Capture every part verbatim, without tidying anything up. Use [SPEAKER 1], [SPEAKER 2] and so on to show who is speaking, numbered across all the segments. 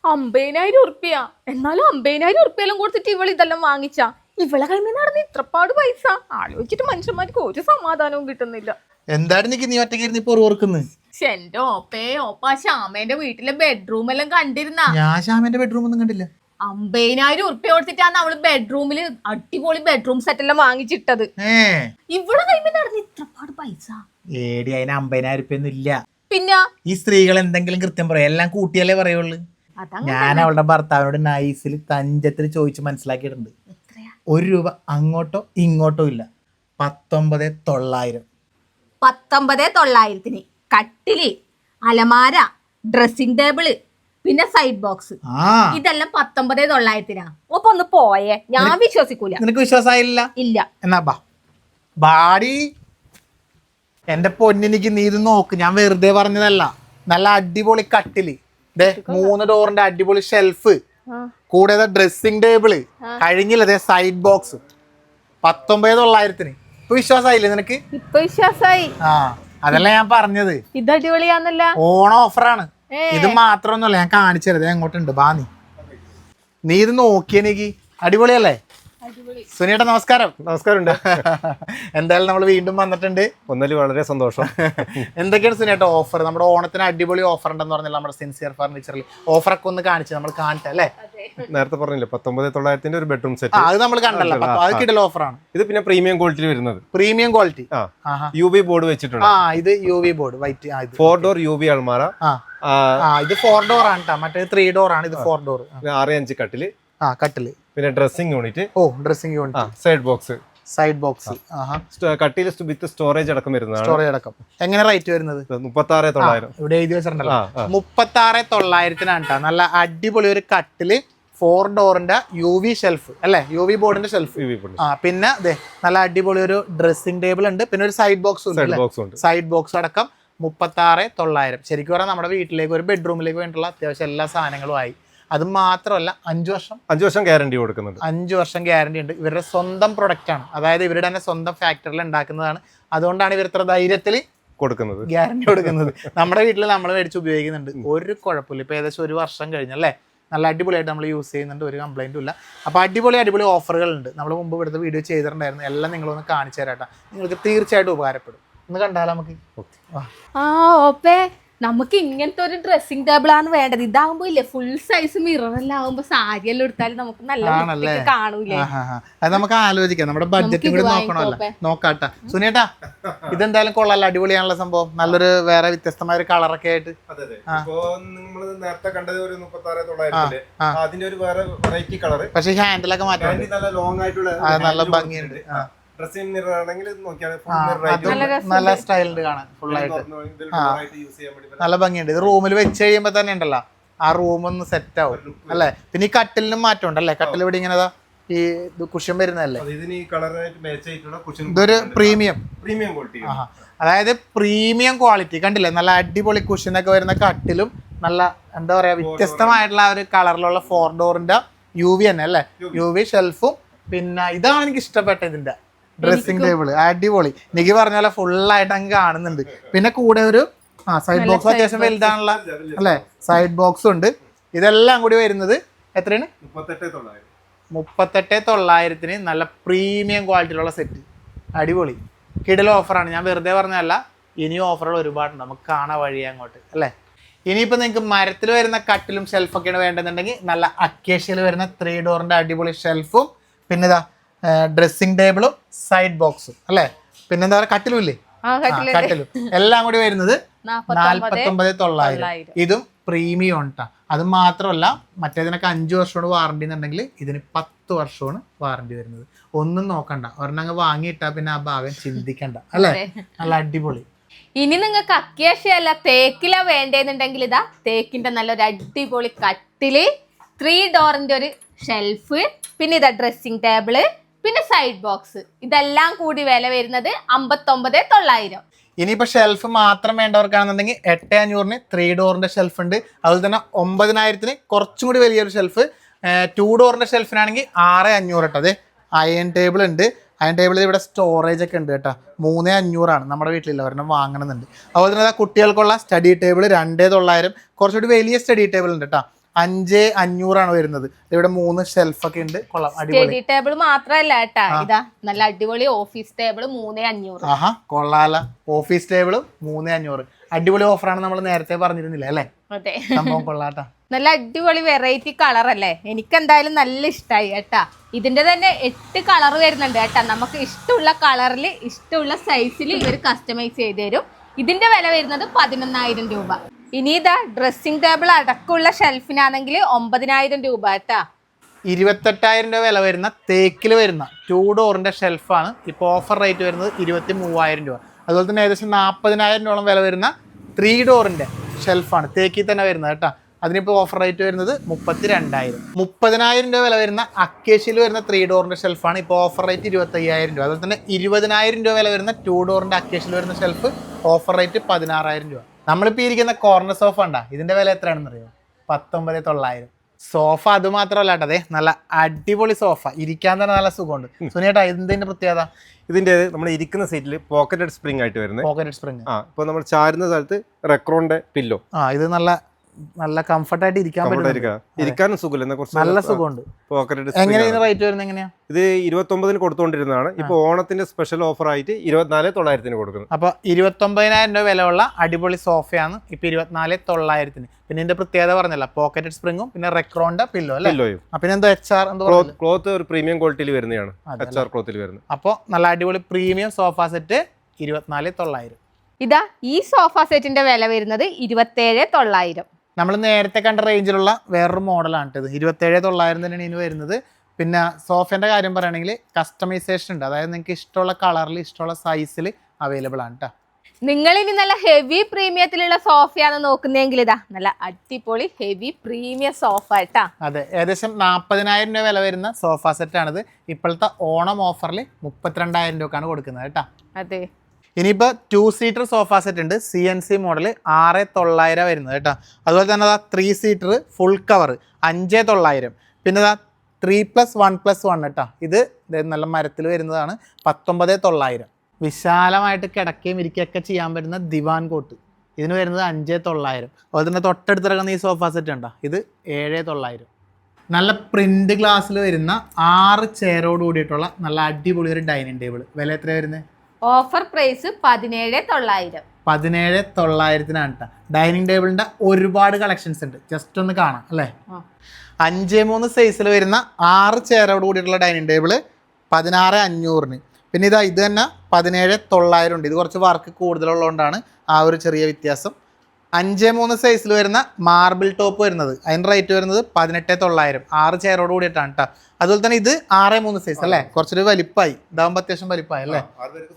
[SPEAKER 1] അമ്പതിനായിരം ഉറുപ്പ്യ. എന്നാലും അമ്പതിനായിരം ഉറുപ്പ്യെല്ലാം കൊടുത്തിട്ട് ഇവൾ ഇതെല്ലാം വാങ്ങിച്ച ഇവളെ കൈമ നടന്ന് ഇത്രപ്പാട് പൈസ ആലോചിച്ചിട്ട് മനുഷ്യന്മാർക്ക് ഒരു സമാധാനവും കിട്ടുന്നില്ല.
[SPEAKER 2] എന്താണ് എനിക്ക് നീ ഒറ്റയ്ക്ക് ഇപ്പൊ ഓർക്കുന്നത്?
[SPEAKER 1] എന്റെ ഓപ്പേ ഓപ്പ ശ്യാമേന്റെ വീട്ടിലെ ബെഡ്റൂം എല്ലാം കണ്ടിരുന്ന?
[SPEAKER 2] ഞാൻ ശ്യാമേന്റെ ബെഡ്റൂം ഒന്നും കണ്ടില്ല.
[SPEAKER 1] അമ്പതിനായിരം ഉറുപ്പ്യ കൊടുത്തിട്ടാണ് അവള് ബെഡ്റൂമില് അടിപൊളി ബെഡ്റൂം സെറ്റ് എല്ലാം വാങ്ങിച്ചിട്ടത്. ഇവിടെ കൈമ നടന്ന് ഇത്രപ്പാട് പൈസ
[SPEAKER 2] ഏടി അതിന് അമ്പതിനായിരം ഉറുപ്പ്യ ഒന്നും ഇല്ല.
[SPEAKER 1] പിന്നെ
[SPEAKER 2] ഈ സ്ത്രീകൾ എന്തെങ്കിലും കൃത്യം പറയാം, എല്ലാം കൂട്ടിയല്ലേ പറയുള്ളൂ. ഞാൻ അവളുടെ ഭർത്താവിനോട് നൈസിൽ തഞ്ചത്തിൽ ചോദിച്ച് മനസ്സിലാക്കിയിട്ടുണ്ട്. ഒരു രൂപ അങ്ങോട്ടോ ഇങ്ങോട്ടോ ഇല്ല. പത്തൊമ്പത് തൊള്ളായിരം
[SPEAKER 1] പത്തൊമ്പത് തൊള്ളായിരത്തിന് കട്ടില്, അലമാര, ഡ്രസ്സിംഗ് ടേബിള്, പിന്നെ സൈഡ് ബോക്സ്, ഇതെല്ലാം പത്തൊമ്പത് തൊള്ളായിരത്തിനാ. ഒപ്പൊ ഒന്ന് പോയേ, ഞാൻ വിശ്വസിക്കൂല.
[SPEAKER 2] നിനക്ക് വിശ്വാസമായില്ല?
[SPEAKER 1] ഇല്ല.
[SPEAKER 2] എന്നാ ബാ ബാടി എന്റെ പൊന്നിനിക്ക് നീ ഇത് നോക്ക്, ഞാൻ വെറുതെ പറഞ്ഞതല്ല. നല്ല അടിപൊളി കട്ടില്, മൂന്ന് ഡോറിന്റെ അടിപൊളി ഷെൽഫ്, കൂടാതെ ഡ്രസ്സിംഗ് ടേബിള്, കഴിഞ്ഞില്ല സൈഡ് ബോക്സ്. പത്തൊമ്പത് തൊള്ളായിരത്തിന് ഇപ്പൊ വിശ്വാസമായില്ലേ നിനക്ക്?
[SPEAKER 1] ഇപ്പൊ വിശ്വാസായി.
[SPEAKER 2] ആ അതല്ല ഞാൻ പറഞ്ഞത്,
[SPEAKER 1] ഇത് അടിപൊളിയാന്നല്ല.
[SPEAKER 2] ഓണം ഓഫറാണ്. ഇത് മാത്രമൊന്നുമല്ല, ഞാൻ കാണിച്ചു തരാം. എങ്ങോട്ടുണ്ട് ബാ, നീ നീ ഇത് നോക്കിയെനിക്ക് അടിപൊളിയല്ലേ? സുനിയേട്ടാ നമസ്കാരം.
[SPEAKER 3] നമസ്കാരം.
[SPEAKER 2] എന്തായാലും നമ്മൾ വീണ്ടും വന്നിട്ടുണ്ട്.
[SPEAKER 3] ഒന്നല് വളരെ സന്തോഷം.
[SPEAKER 2] എന്തൊക്കെയാണ് സുനിയേട്ടാ ഓഫർ? നമ്മുടെ ഓണത്തിന് അടിപൊളി ഓഫർ ഉണ്ടെന്ന് പറഞ്ഞാൽ നമ്മുടെ സിൻസിയർ ഫർണിച്ചറിൽ ഓഫറൊക്കെ ഒന്ന് കാണിച്ചു നമ്മൾ കാണട്ടെ അല്ലേ?
[SPEAKER 3] നേരത്തെ പറഞ്ഞില്ലേ പത്തൊമ്പത് തൊള്ളായിരത്തിന്റെ ഒരു ബെഡ്റൂം സെറ്റ്,
[SPEAKER 2] അത് നമ്മൾ കണ്ടല്ലോ. അത് കിടൽ ഓഫറാണ്.
[SPEAKER 3] ഇത് പിന്നെ പ്രീമിയം ക്വാളിറ്റി വരുന്നത്.
[SPEAKER 2] Premium quality
[SPEAKER 3] U V board വെച്ചിട്ടുണ്ട്.
[SPEAKER 2] ആ ഇത് U V board white,
[SPEAKER 3] four door U V അൾമാര.
[SPEAKER 2] ഇത് ഫോർ ഡോർ ആണ് കേട്ടോ, മറ്റേ ത്രീ ഡോർ ആണ്. ഇത് ഫോർ ഡോർ.
[SPEAKER 3] ആറ് അഞ്ച് കട്ടില്.
[SPEAKER 2] ആ കട്ടില്.
[SPEAKER 3] പിന്നെ ഡ്രസ്സിംഗ് യൂണിറ്റ്.
[SPEAKER 2] ഓ dressing unit.
[SPEAKER 3] Side box.
[SPEAKER 2] Side box.
[SPEAKER 3] കട്ടില് വിത്ത് സ്റ്റോറേജ് അടക്കം വരുന്നതാണ്.
[SPEAKER 2] സ്റ്റോറേജ് അടക്കം. എങ്ങനെ റേറ്റ് വരുന്നത്?
[SPEAKER 3] മുപ്പത്തി ആറ് തൊള്ളായിരം.
[SPEAKER 2] ഇവിടെ എഴുതി വെച്ചിട്ടുണ്ടല്ലോ. മുപ്പത്തി ആറ് തൊള്ളായിരത്തിനാണ് കേട്ടോ. നല്ല അടിപൊളി ഒരു കട്ടില്, ഫോർ ഡോറിന്റെ യു വി ഷെൽഫ് അല്ലെ, യു വി ബോർഡിന്റെ ഷെൽഫ്. ആ പിന്നെ അതെ നല്ല അടിപൊളി ഒരു ഡ്രസ്സിംഗ് ടേബിൾ ഉണ്ട്. പിന്നെ ഒരു സൈഡ് ബോക്സ് ഉണ്ട്. സൈഡ് ബോക്സ് അടക്കം മുപ്പത്തി ആറ് തൊള്ളായിരം. ശരിക്കും പറഞ്ഞാൽ നമ്മുടെ വീട്ടിലേക്ക് ഒരു ബെഡ്റൂമിലേക്ക് വേണ്ടിയിട്ടുള്ള അത്യാവശ്യം എല്ലാ സാധനങ്ങളും ആയി. അത് മാത്രമല്ല അഞ്ചു വർഷം
[SPEAKER 3] അഞ്ചു വർഷം ഗ്യാരണ്ടി കൊടുക്കുന്നുണ്ട്.
[SPEAKER 2] അഞ്ചു വർഷം ഗ്യാരണ്ടി ഉണ്ട്. ഇവരുടെ സ്വന്തം പ്രൊഡക്റ്റ് ആണ്, അതായത് ഇവരുടെ തന്നെ സ്വന്തം ഫാക്ടറിയിൽ ഉണ്ടാക്കുന്നതാണ്. അതുകൊണ്ടാണ് ഇവർ ഇത്ര ധൈര്യത്തിൽ കൊടുക്കുന്നത്, ഗ്യാരണ്ടി കൊടുക്കുന്നത്. നമ്മുടെ വീട്ടിൽ നമ്മൾ മേടിച്ച് ഉപയോഗിക്കുന്നുണ്ട്, ഒരു കുഴപ്പമില്ല. ഇപ്പൊ ഏകദേശം ഒരു വർഷം കഴിഞ്ഞല്ലേ, നല്ല അടിപൊളിയായിട്ട് നമ്മൾ യൂസ് ചെയ്യുന്നുണ്ട്, ഒരു കംപ്ലൈൻറ്റും ഇല്ല. അപ്പോൾ അടിപൊളി അടിപൊളി ഓഫറുകളുണ്ട്. നമ്മൾ മുമ്പ് ഇവിടുത്തെ വീഡിയോ ചെയ്തിട്ടുണ്ടായിരുന്നു, എല്ലാം നിങ്ങളൊന്ന് കാണിച്ചു തരാട്ടാ. നിങ്ങൾക്ക് തീർച്ചയായിട്ടും ഉപകാരപ്പെടും. ഒന്ന് കണ്ടാലോ നമുക്ക്?
[SPEAKER 1] ആ ഓപ്പേ, നമുക്ക് ഇങ്ങനത്തെ ഒരു ഡ്രസ്സിംഗ് ടേബിൾ ആണ് വേണ്ടത്. ഇതാകുമ്പോ ഇല്ലേ ഫുൾ സൈസ് മിറർ എല്ലാം ആകുമ്പോ സാരി എല്ലാം എടുത്താലും നമുക്ക് നല്ല കാണൂലേ.
[SPEAKER 2] അത് നമുക്ക് ആലോചിക്കാം, നമ്മുടെ ബഡ്ജറ്റും കൂടി നോക്കണമല്ലോ. നോക്കാട്ടാ സുനിയേട്ടാ, ഇതെന്തായാലും കൊള്ളാലോ, അടിപൊളിയാണുള്ള സംഭവം. നല്ലൊരു വേറെ വ്യത്യസ്തമായ ഒരു കളറൊക്കെ ആയിട്ട്.
[SPEAKER 3] നേരത്തെ കണ്ടത് ഒരു മുപ്പത്തി ആറ് തൊള്ളായിരത്തിന്റെ അതിന്റെ ഒരു വേറെ വെറൈറ്റി കളർ.
[SPEAKER 2] പക്ഷെ ഹാൻഡിലൊക്കെ മാറ്റാൻ
[SPEAKER 3] നല്ല ലോങ് ആയിട്ടുള്ള
[SPEAKER 2] നല്ല ഭംഗിയുണ്ട്. നല്ല സ്റ്റൈലുണ്ട് കാണാൻ, ഫുള്ളായിട്ട് നല്ല ഭംഗിയുണ്ട്. ഇത് റൂമിൽ വെച്ച് കഴിയുമ്പോ തന്നെ ഉണ്ടല്ലോ ആ റൂം ഒന്ന് സെറ്റ് ആവും അല്ലേ. പിന്നെ ഈ കട്ടിലിനും മാറ്റം ഉണ്ടല്ലേ, കട്ടിൽ ഇവിടെ ഇങ്ങനെ ഈ കുഷ്യൻ വരുന്നതല്ലേ. ഇതൊരു പ്രീമിയം
[SPEAKER 3] പ്രീമിയം ക്വാളിറ്റി,
[SPEAKER 2] അതായത് പ്രീമിയം ക്വാളിറ്റി കണ്ടില്ലേ. നല്ല അടിപൊളി കുഷ്യനൊക്കെ വരുന്ന കട്ടിലും നല്ല എന്താ പറയാ വ്യത്യസ്തമായിട്ടുള്ള ഒരു കളറിലുള്ള ഫോർ ഡോറിന്റെ യു വി തന്നെ അല്ലേ, യു വി ഷെൽഫും. പിന്നെ ഇതാണ് എനിക്ക് ഇഷ്ടപ്പെട്ട ഇതിന്റെ ഡ്രസ്സിംഗ് ടേബിൾ, അടിപൊളി. എനിക്ക് പറഞ്ഞ പോലെ ഫുള്ളായിട്ട് അങ്ങ് കാണുന്നുണ്ട്. പിന്നെ കൂടെ ഒരു ആ സൈഡ് ബോക്സ് അത്യാവശ്യം വലുതാണുള്ള അല്ലേ, സൈഡ് ബോക്സും ഉണ്ട്. ഇതെല്ലാം കൂടി വരുന്നത് എത്രയാണ്? മുപ്പത്തെട്ട് തൊള്ളായിരത്തിന് നല്ല പ്രീമിയം ക്വാളിറ്റിയിലുള്ള സെറ്റ്, അടിപൊളി കിടില ഓഫറാണ്. ഞാൻ വെറുതെ പറഞ്ഞതല്ല, ഇനിയും ഓഫറുകൾ ഒരുപാടുണ്ട്, നമുക്ക് കാണാൻ വഴിയാ അങ്ങോട്ട് അല്ലേ. ഇനിയിപ്പോൾ നിങ്ങൾക്ക് മരത്തിൽ വരുന്ന കട്ടിലും ഷെൽഫൊക്കെയാണ് വേണ്ടതെന്നുണ്ടെങ്കിൽ നല്ല അക്കേഷ്യയിൽ വരുന്ന ത്രീ ഡോറിന്റെ അടിപൊളി ഷെൽഫും, പിന്നെ ഇതാ ഡ്രസ്സിംഗ് ടേബിളും സൈഡ് ബോക്സും അല്ലേ. പിന്നെന്താ പറയുക കട്ടിലും ഇല്ലേ, കട്ടിലും എല്ലാം കൂടി വരുന്നത് നാല്പത്തൊമ്പത് തൊള്ളായിരം. ഇതും പ്രീമിയം ഉണ്ടാ. അത് മാത്രമല്ല മറ്റേതിനൊക്കെ അഞ്ചു വർഷമാണ് വാറണ്ടി എന്നുണ്ടെങ്കിൽ ഇതിന് പത്ത് വർഷമാണ് വാറണ്ടി വരുന്നത്. ഒന്നും നോക്കണ്ട, ഒരെണ്ണം വാങ്ങിയിട്ടാ പിന്നെ ആ ഭാഗം ചിന്തിക്കണ്ട അല്ലേ. നല്ല അടിപൊളി.
[SPEAKER 1] ഇനി നിങ്ങൾക്ക് അക്കേഷ്യല്ല തേക്കില വേണ്ടേന്നുണ്ടെങ്കിൽ ഇതാ തേക്കിന്റെ നല്ലൊരു അടിപൊളി കട്ടില്, ത്രീ ഡോറിന്റെ ഒരു ഷെൽഫ്, പിന്നെ ഇതാ ഡ്രസ്സിംഗ് ടേബിള്, പിന്നെ സൈഡ് ബോക്സ്. ഇതെല്ലാം കൂടി വില വരുന്നത് അമ്പത്തൊമ്പത് തൊള്ളായിരം.
[SPEAKER 2] ഇനിയിപ്പോൾ ഷെൽഫ് മാത്രം വേണ്ടവർക്കാണെന്നുണ്ടെങ്കിൽ എട്ട് അഞ്ഞൂറിന് ത്രീ ഡോറിന്റെ ഷെൽഫ് ഉണ്ട്. അതുപോലെ തന്നെ ഒമ്പതിനായിരത്തിന് കുറച്ചും കൂടി വലിയൊരു ഷെൽഫ്, ടു ഡോറിന്റെ ഷെൽഫിനാണെങ്കിൽ ആറ് അഞ്ഞൂറ് കേട്ടോ. അതെ അയൺ ടേബിൾ ഉണ്ട്. അയൺ ടേബിളിൽ ഇവിടെ സ്റ്റോറേജ് ഒക്കെ ഉണ്ട് കേട്ടോ. മൂന്ന് അഞ്ഞൂറാണ്, നമ്മുടെ വീട്ടിലില്ല, ഒരെണ്ണം വാങ്ങണമെന്നുണ്ട്. അതുപോലെ തന്നെ കുട്ടികൾക്കുള്ള സ്റ്റഡി ടേബിൾ രണ്ടേ തൊള്ളായിരം, കുറച്ചുകൂടി വലിയ സ്റ്റഡി ടേബിൾ ഉണ്ട് കേട്ടോ. അഞ്ച് അഞ്ഞൂറാണ് വരുന്നത്. ഇവിടെ മൂന്ന് ഷെൽഫൊക്കെ ഉണ്ട്. കൊള്ളാം, അടിപൊളി.
[SPEAKER 1] സ്റ്റഡി ടേബിൾ മാത്രല്ല കേട്ടാ, ഇതാ നല്ല അടിപൊളി ഓഫീസ് ടേബിൾ മൂന്നേ അഞ്ഞൂറ്.
[SPEAKER 2] ആഹാ, കൊള്ളാല. ഓഫീസ് ടേബിള് മൂന്നേ അഞ്ഞൂറ്. അടിപൊളി ഓഫറാണ്, നമ്മൾ നേരത്തെ പറഞ്ഞിരുന്നില്ല അല്ലേ?
[SPEAKER 1] അതെ,
[SPEAKER 2] സംഭവം കൊള്ളാട്ടാ.
[SPEAKER 1] നല്ല അടിപൊളി വെറൈറ്റി കളർ അല്ലേ? എനിക്ക് എന്തായാലും നല്ല ഇഷ്ടമായി കേട്ടാ. ഇതിന്റെ തന്നെ എട്ട് കളർ വരുന്നുണ്ട് കേട്ടാ. നമുക്ക് ഇഷ്ടമുള്ള കളറിൽ ഇഷ്ടമുള്ള സൈസിൽ ഇവർ കസ്റ്റമൈസ് ചെയ്ത് തരും. ഇതിന്റെ വില വരുന്നത് പതിനൊന്നായിരം രൂപ. ഇനി ഇതാ ഡ്രസ്സിംഗ് ടേബിൾ അടക്കമുള്ള ഷെൽഫിനാണെങ്കിൽ ഒമ്പതിനായിരം രൂപ കേട്ടാ.
[SPEAKER 2] ഇരുപത്തെട്ടായിരം രൂപ വില വരുന്ന തേക്കിൽ വരുന്ന ടൂ ഡോറിന്റെ ഷെൽഫാണ് ഇപ്പോൾ ഓഫർ റേറ്റ് വരുന്നത് ഇരുപത്തി മൂവായിരം രൂപ. അതുപോലെ തന്നെ ഏകദേശം നാൽപ്പതിനായിരം രൂപ വില വരുന്ന ത്രീ ഡോറിന്റെ ഷെൽഫാണ് തേക്കിൽ തന്നെ വരുന്നത് കേട്ടോ. അതിനിപ്പോൾ ഓഫർ റേറ്റ് വരുന്നത് മുപ്പത്തി രണ്ടായിരം. മുപ്പതിനായിരം രൂപ വില വരുന്ന അക്കേഷ്യയിൽ വരുന്ന ത്രീ ഡോറിന്റെ ഷെൽഫാണ് ഇപ്പോൾ ഓഫർ റേറ്റ് ഇരുപത്തയ്യായിരം രൂപ. അതുപോലെ തന്നെ ഇരുപതിനായിരം രൂപ വില വരുന്ന ടൂ ഡോറിന്റെ അക്കേഷ്യയിൽ വരുന്ന ഷെൽഫ് ഓഫർ റേറ്റ് പതിനാറായിരം രൂപ. നമ്മളിപ്പോൾ ഇരിക്കുന്ന കോർണർ സോഫ ഉണ്ടാ, ഇതിന്റെ വില എത്രയാണെന്ന് അറിയോ? പത്തൊമ്പത് തൊള്ളായിരം. സോഫ അത് മാത്രമല്ല കേട്ടോ, അതെ നല്ല അടിപൊളി സോഫ, ഇരിക്കാൻ തന്നെ നല്ല സുഖമുണ്ട്. സുനിയേട്ടാ, ഇതിന്റെ പ്രത്യേകത?
[SPEAKER 3] ഇതിന്റെ നമ്മൾ ഇരിക്കുന്ന സീറ്റിൽ പോക്കറ്റഡ് സ്പ്രിംഗ് ആയിട്ട് വരുന്നത്.
[SPEAKER 2] Pocketed spring.
[SPEAKER 3] ആ, ഇപ്പൊ നമ്മൾ ചാരുന്ന സ്ഥലത്ത് റെക്രോണിന്റെ പില്ലോ.
[SPEAKER 2] ആ, ഇത് നല്ല നല്ല കംഫർട്ടായിട്ട് ഇരിക്കാൻ പറ്റും.
[SPEAKER 3] ഇരിക്കാനും സുഖമില്ല, കുറച്ച്
[SPEAKER 2] നല്ല സുഖമുണ്ട്.
[SPEAKER 3] പോക്കറ്റഡ്.
[SPEAKER 2] എങ്ങനെയാണ് റേറ്റ് വരുന്നത്? എങ്ങനെയാ?
[SPEAKER 3] ഇത് ഇരുപത്തൊമ്പതിന് കൊടുത്തുകൊണ്ടിരുന്നതാണ്. ഇപ്പൊ ഓണത്തിന്റെ സ്പെഷ്യൽ ഓഫർ ആയിട്ട് ഇരുപത്തിനാല് തൊള്ളായിരത്തിന് കൊടുക്കുന്നത്.
[SPEAKER 2] അപ്പൊ ഇരുപത്തൊമ്പതിനായിരം രൂപ വിലയുള്ള അടിപൊളി സോഫയാണ് ഇപ്പൊ ഇരുപത്തിനാല് തൊള്ളായിരത്തിന്. പിന്നെ ഇതിന്റെ പ്രത്യേകത പറഞ്ഞല്ല, പോക്കറ്റഡ് സ്പ്രിങ്ങും പിന്നെ റെക്രോണിന്റെ പില്ലോ അല്ലേ?
[SPEAKER 3] പില്ലോയും.
[SPEAKER 2] പിന്നെ എന്തോ എച്ച് ആർ
[SPEAKER 3] ക്ലോത്ത് ഒരു പ്രീമിയം ക്വാളിറ്റിയിൽ വരുന്നതാണ്. എച്ച് ആർ ക്ലോത്തിൽ വരുന്നത്.
[SPEAKER 2] അപ്പൊ നല്ല അടിപൊളി പ്രീമിയം സോഫ സെറ്റ് ഇരുപത്തിനാല് തൊള്ളായിരം.
[SPEAKER 1] ഇതാ ഈ സോഫ സെറ്റിന്റെ വില വരുന്നത് ഇരുപത്തേഴ് തൊള്ളായിരം.
[SPEAKER 2] നമ്മൾ നേരത്തെ കണ്ട റേഞ്ചിലുള്ള വേറൊരു മോഡലാണ് ഇത്. ഇരുപത്തേഴ് തൊള്ളായിരം തന്നെയാണ് ഇതിന് വരുന്നത്. പിന്നെ സോഫേൻ്റെ കാര്യം പറയുകയാണെങ്കിൽ കസ്റ്റമൈസേഷൻ ഉണ്ട്, അതായത് നിങ്ങൾക്ക് ഇഷ്ടമുള്ള കളറിൽ ഇഷ്ടമുള്ള സൈസിൽ അവൈലബിൾ ആണ് കേട്ടോ.
[SPEAKER 1] നിങ്ങൾ ഇനി നല്ല ഹെവി പ്രീമിയത്തിലുള്ള സോഫയാണ് നോക്കുന്നതെങ്കിൽ ഇതാ നല്ല അടിപൊളി ഹെവി പ്രീമിയം സോഫ കേട്ടാ.
[SPEAKER 2] അതെ, ഏകദേശം നാൽപ്പതിനായിരം രൂപ വില വരുന്ന സോഫ സെറ്റാണിത്. ഇപ്പോഴത്തെ ഓണം ഓഫറിൽ മുപ്പത്തിരണ്ടായിരം രൂപക്കാണ് കൊടുക്കുന്നത് കേട്ടോ.
[SPEAKER 1] അതെ,
[SPEAKER 2] ഇനിയിപ്പോൾ ടു സീറ്റർ സോഫ സെറ്റ് ഉണ്ട്, സി എൻ സി മോഡൽ, ആറ് തൊള്ളായിരം വരുന്നത് കേട്ടോ. അതുപോലെ തന്നെ അതാ ത്രീ സീറ്റർ ഫുൾ കവർ അഞ്ച് തൊള്ളായിരം. പിന്നെ അതാ three plus one plus one കേട്ടോ, ഇത് നല്ല മരത്തിൽ വരുന്നതാണ്, പത്തൊമ്പത് തൊള്ളായിരം. വിശാലമായിട്ട് കിടക്കുകയും ഇരിക്കുകയൊക്കെ ചെയ്യാൻ പറ്റുന്ന ദിവാൻ കോട്ട്, ഇതിന് വരുന്നത് അഞ്ച് തൊള്ളായിരം. അതുപോലെ തന്നെ തൊട്ടടുത്ത് കിടക്കുന്ന ഈ സോഫ സെറ്റ് ഉണ്ടോ, ഇത് ഏഴ് തൊള്ളായിരം. നല്ല പ്രിന്റ് ഗ്ലാസ്സിൽ വരുന്ന ആറ് ചെയറോട് കൂടിയിട്ടുള്ള നല്ല അടിപൊളി ഒരു ഡൈനിങ് ടേബിൾ, വില എത്ര വരുന്നത്?
[SPEAKER 1] ഓഫർ പ്രൈസ് പതിനേഴ് തൊള്ളായിരം.
[SPEAKER 2] പതിനേഴ് തൊള്ളായിരത്തിനാണ് കേട്ടോ. ഡൈനിങ് ടേബിളിന്റെ ഒരുപാട് കളക്ഷൻസ് ഉണ്ട്, ജസ്റ്റ് ഒന്ന് കാണാം അല്ലേ. അഞ്ച് മൂന്ന് സൈസിൽ വരുന്ന ആറ് ചെയറോട് കൂടിയിട്ടുള്ള ഡൈനിങ് ടേബിള് പതിനാറ് അഞ്ഞൂറിന്. പിന്നെ ഇതാ ഇത് തന്നെ പതിനേഴ് തൊള്ളായിരം ഉണ്ട്. ഇത് കുറച്ച് വർക്ക് കൂടുതലുള്ളതുകൊണ്ടാണ് ആ ഒരു ചെറിയ വ്യത്യാസം. അഞ്ച് മൂന്ന് സൈസിൽ വരുന്ന മാർബിൾ ടോപ്പ് വരുന്നത് അതിന് റേറ്റ് വരുന്നത് പതിനെട്ട് തൊള്ളായിരം. ആറ് ചെയറോട് കൂടിയിട്ടാണ് കേട്ടോ. അതുപോലെ തന്നെ ഇത് ആറ് മൂന്ന് സൈസ് അല്ലേ, കുറച്ചൊരു വലിപ്പമായി, ഇതാകുമ്പോൾ അത്യാവശ്യം വലിപ്പമായി അല്ലേ.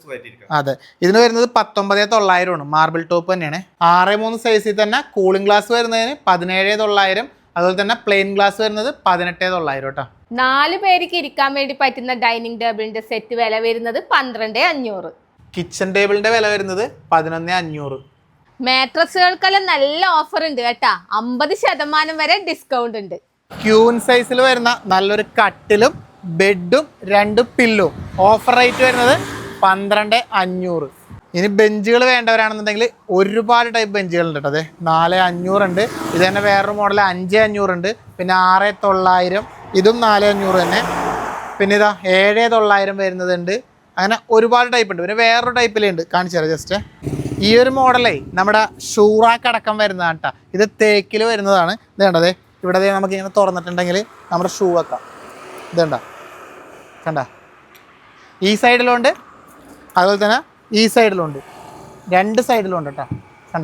[SPEAKER 2] അതെ, ഇതിന് വരുന്നത് പത്തൊമ്പത് തൊള്ളായിരമാണ്. മാർബിൾ ടോപ്പ് തന്നെയാണ്. ആറ് മൂന്ന് സൈസിൽ തന്നെ കൂളിംഗ് ഗ്ലാസ് വരുന്നതിന് പതിനേഴ് തൊള്ളായിരം. അതുപോലെ തന്നെ പ്ലെയിൻ ഗ്ലാസ് വരുന്നത് പതിനെട്ട് തൊള്ളായിരം കേട്ടോ.
[SPEAKER 1] നാല് പേർക്ക് ഇരിക്കാൻ വേണ്ടി പറ്റുന്ന ഡൈനിങ് ടേബിളിന്റെ സെറ്റ് വില വരുന്നത് പന്ത്രണ്ട് അഞ്ഞൂറ്.
[SPEAKER 2] കിച്ചൺ ടേബിളിന്റെ വില വരുന്നത് പതിനൊന്ന് അഞ്ഞൂറ്.
[SPEAKER 1] മാട്രസുകൾക്കെല്ലാം നല്ല ഓഫർ ഉണ്ട് കേട്ടാ, അമ്പത് ശതമാനം വരെ ഡിസ്കൗണ്ട് ഉണ്ട്.
[SPEAKER 2] ക്യൂൻ സൈസിൽ വരുന്ന നല്ലൊരു കട്ടിലും ബെഡും രണ്ട് പില്ലും ഓഫർ റേറ്റ് വരുന്നത് പന്ത്രണ്ട് അഞ്ഞൂറ്. ഇനി ബെഞ്ചുകൾ വേണ്ടവരാണെന്നുണ്ടെങ്കിൽ ഒരുപാട് ടൈപ്പ് ബെഞ്ചുകളുണ്ട് കേട്ടോ. അതെ, നാല് അഞ്ഞൂറുണ്ട്. ഇത് തന്നെ വേറൊരു മോഡൽ അഞ്ച് അഞ്ഞൂറുണ്ട്. പിന്നെ ആറ് തൊള്ളായിരം, ഇതും നാല് അഞ്ഞൂറ് തന്നെ. പിന്നെ ഇതാ ഏഴ് തൊള്ളായിരം വരുന്നതുണ്ട്. അങ്ങനെ ഒരുപാട് ടൈപ്പ് ഉണ്ട്. പിന്നെ വേറൊരു ടൈപ്പിലുണ്ട്, കാണിച്ചു തരാം ജസ്റ്റ്. ഈ ഒരു മോഡലേ നമ്മുടെ ഷൂറാക്ക് അടക്കം വരുന്നതാണ് കേട്ടോ. ഇത് തേക്കിൽ വരുന്നതാണ്. ഇത് കണ്ടതേ, ഇവിടെ നമുക്ക് ഇങ്ങനെ തുറന്നിട്ടുണ്ടെങ്കിൽ നമ്മുടെ ഷൂ വെക്കാം. ഇതുണ്ട കണ്ട, ഈ സൈഡിലുണ്ട് അതുപോലെ തന്നെ ഈ സൈഡിലുണ്ട്, രണ്ട് സൈഡിലുണ്ട് കേട്ടോ. കണ്ട,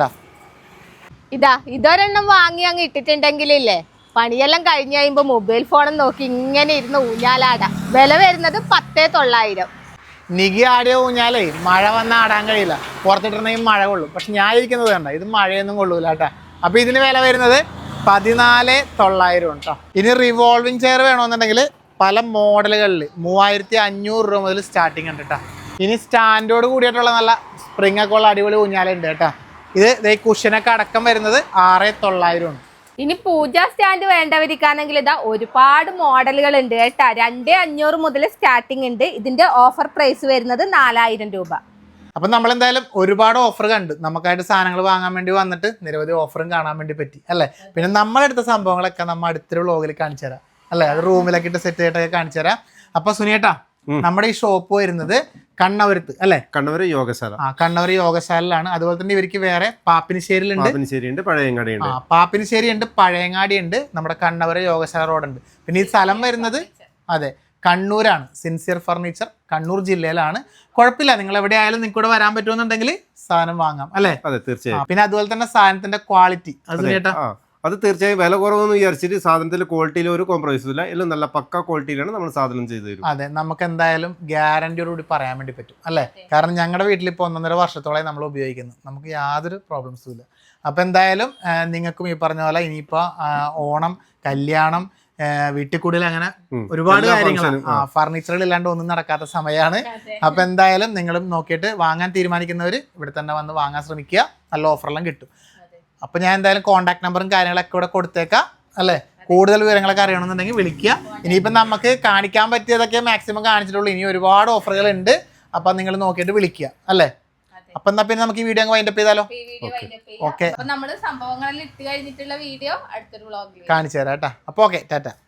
[SPEAKER 1] ഇതാ ഇതൊരെണ്ണം വാങ്ങി അങ്ങ് ഇട്ടിട്ടുണ്ടെങ്കിലേ പണിയെല്ലാം കഴിഞ്ഞ് കഴിയുമ്പോൾ മൊബൈൽ ഫോണും നോക്കി ഇങ്ങനെ ഇരുന്ന് ഊഞ്ഞാലാടാം. വില വരുന്നത് പത്തേ തൊള്ളായിരം.
[SPEAKER 2] നികി ആടിയ ഊഞ്ഞാലേ മഴ വന്നാൽ ആടാൻ കഴിയില്ല, പുറത്തിട്ടുണ്ടെങ്കിൽ മഴ കൊള്ളും. പക്ഷെ ഞാൻ ഇരിക്കുന്നത് കണ്ട, ഇത് മഴയൊന്നും കൊള്ളൂല കേട്ടോ. അപ്പോൾ ഇതിന് വില വരുന്നത് പതിനാല് തൊള്ളായിരം കേട്ടോ. ഇനി റിവോൾവിംഗ് ചെയർ വേണമെന്നുണ്ടെങ്കിൽ പല മോഡലുകളിൽ മൂവായിരത്തി അഞ്ഞൂറ് രൂപ മുതൽ സ്റ്റാർട്ടിങ് ഉണ്ട് കേട്ടോ. ഇനി സ്റ്റാൻഡോട് കൂടിയിട്ടുള്ള നല്ല സ്പ്രിംഗ് ഒക്കെ ഉള്ള അടിപൊളി ഊഞ്ഞാലുണ്ട് കേട്ടോ. ഇത് ഈ കുഷനൊക്കെ അടക്കം വരുന്നത് ആറ് തൊള്ളായിരം ഉണ്ട്.
[SPEAKER 1] ഇനി പൂജ സ്റ്റാൻഡ് വേണ്ടവരിക്കാണെങ്കിൽ ഇതാ ഒരുപാട് മോഡലുകൾ ഉണ്ട് കേട്ടാ. രണ്ട് അഞ്ഞൂറ് മുതൽ സ്റ്റാർട്ടിങ് ഉണ്ട്. ഇതിന്റെ ഓഫർ പ്രൈസ് വരുന്നത് നാലായിരം രൂപ.
[SPEAKER 2] അപ്പം നമ്മളെന്തായാലും ഒരുപാട് ഓഫർ കണ്ട് നമുക്കായിട്ട് സാധനങ്ങൾ വാങ്ങാൻ വേണ്ടി വന്നിട്ട് നിരവധി ഓഫറും കാണാൻ വേണ്ടി പറ്റി അല്ലേ. പിന്നെ നമ്മളെടുത്ത സംഭവങ്ങളൊക്കെ നമ്മൾ അടുത്തൊരു വ്ളോഗിൽ കാണിച്ചു തരാം അല്ലേ. അത് റൂമിലൊക്കെ ഇട്ട് സെറ്റ് ചെയ്തിട്ടൊക്കെ കാണിച്ചു തരാം. അപ്പൊ സുനിയേട്ടാ, നമ്മുടെ ഈ ഷോപ്പ് വരുന്നത് കണ്ണവരത്ത് അല്ലേ?
[SPEAKER 3] കണ്ണവര് യോഗശാല.
[SPEAKER 2] ആ കണ്ണവര് യോഗശാലയിലാണ്. അതുപോലെ തന്നെ ഇവർക്ക് വേറെ പാപ്പിനിശ്ശേരിയിലുണ്ട്,
[SPEAKER 3] പാപ്പിനിശ്ശേരിയുണ്ട്, പഴയങ്ങാടിയുണ്ട്.
[SPEAKER 2] ആ പാപ്പിനിശ്ശേരി ഉണ്ട്, പഴയങ്ങാടി ഉണ്ട്, നമ്മുടെ കണ്ണവര യോഗശാല റോഡുണ്ട്. പിന്നെ ഈ സ്ഥലം വരുന്നത് അതെ കണ്ണൂരാണ്. സിൻസിയർ ഫർണിച്ചർ കണ്ണൂർ ജില്ലയിലാണ്. കുഴപ്പമില്ല, നിങ്ങൾ എവിടെ ആയാലും നിങ്ങൾക്ക് ഇവിടെ വരാൻ പറ്റുമെന്നുണ്ടെങ്കിൽ സാധനം വാങ്ങാം അല്ലേ?
[SPEAKER 3] അതെ, തീർച്ചയായും.
[SPEAKER 2] പിന്നെ അതുപോലെ തന്നെ സാധനത്തിന്റെ ക്വാളിറ്റി അത് സുനിയേട്ടാ
[SPEAKER 3] അത് തീർച്ചയായും വില കുറവെന്ന് വിചാരിച്ചിട്ട് സാധനത്തിന്റെ ക്വാളിറ്റിയിൽ ഒരു കോംപ്രമൈസും ഇല്ല. എല്ലാം നല്ല പക്ക ക്വാളിറ്റിയിലാണ് നമ്മൾ സാധനം ചെയ്തു തരും.
[SPEAKER 2] അതെ, നമുക്ക് എന്തായാലും ഗ്യാരണ്ടിയോടുകൂടി പറയാൻ വേണ്ടി പറ്റും അല്ലേ. കാരണം ഞങ്ങളുടെ വീട്ടിൽ ഇപ്പോൾ ഒന്നൊന്നര വർഷത്തോളമായി നമ്മൾ ഉപയോഗിക്കുന്നു, നമുക്ക് യാതൊരു പ്രോബ്ലംസും ഇല്ല. അപ്പം എന്തായാലും നിങ്ങൾക്കും ഈ പറഞ്ഞ പോലെ ഇനിയിപ്പോൾ ഓണം, കല്യാണം, വീട്ടിൽ കൂടുതൽ അങ്ങനെ ഒരുപാട് കാര്യങ്ങൾ ഫർണിച്ചറുകൾ ഇല്ലാണ്ട് ഒന്നും നടക്കാത്ത സമയമാണ്. അപ്പം എന്തായാലും നിങ്ങളും നോക്കിയിട്ട് വാങ്ങാൻ തീരുമാനിക്കുന്നവർ ഇവിടെ തന്നെ വന്ന് വാങ്ങാൻ ശ്രമിക്കുക, നല്ല ഓഫറെല്ലാം കിട്ടും. അപ്പം ഞാൻ എന്തായാലും കോൺടാക്ട് നമ്പറും കാര്യങ്ങളൊക്കെ ഇവിടെ കൊടുത്തേക്കാം അല്ലേ. കൂടുതൽ വിവരങ്ങളൊക്കെ അറിയണമെന്നുണ്ടെങ്കിൽ വിളിക്കുക. ഇനിയിപ്പം നമുക്ക് കാണിക്കാൻ പറ്റിയതൊക്കെ മാക്സിമം കാണിച്ചിട്ടുള്ളൂ, ഇനി ഒരുപാട് ഓഫറുകൾ ഉണ്ട്. അപ്പം നിങ്ങൾ നോക്കിയിട്ട് വിളിക്കുക അല്ലേ. അപ്പം എന്നാ പിന്നെ നമുക്ക് ഈ വീഡിയോ അങ്ങ് വൈൻഡപ്പ് ചെയ്താലോ? ഓക്കെ,
[SPEAKER 1] നമ്മള് സംഭവങ്ങളിൽ ഇട്ട് കഴിഞ്ഞിട്ടുള്ള വീഡിയോ അടുത്തൊരു വ്ളോഗിൽ
[SPEAKER 2] കാണിച്ചു തരാം കേട്ടോ. അപ്പോൾ ഓക്കെ, ടാറ്റ.